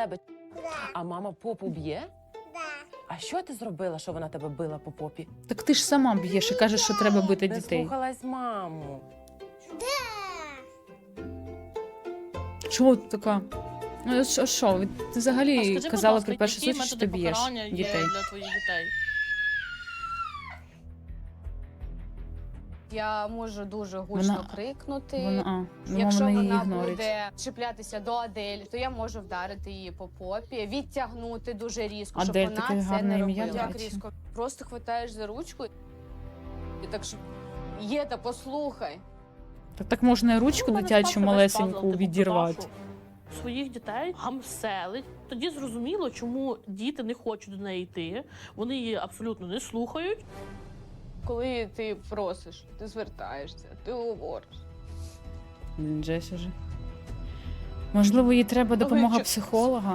тебе? А мама попу б'є? Да. А що ти зробила, що вона тебе била по попі? Так ти ж сама б'єш і кажеш, що треба бити Не дітей. слухалась маму. Чого ти така? Ну, що? Ти взагалі Скажи, казала будь при ласка, першій які зустрічі, що методи ти б'єш покарання є дітей. для твоїх дітей? Я можу дуже гучно крикнути. Якщо Якщо вона її вона ігнорить. буде чіплятися до Адель, то я можу вдарити її по попі, відтягнути дуже різко, щоб Адель, вона таке це гарне не ім'я, робила. до Як речі. різко? Просто хватаєш за ручку і так що є, та послухай. Так можна і ручку Ну, дитячу малесеньку відірвати. Своїх дітей гамселить. Тоді зрозуміло, чому діти не хочуть до неї йти. Вони її абсолютно не слухають. Коли ти просиш, ти звертаєшся, ти говориш. Джесі же. Можливо, їй треба допомога Ой, психолога.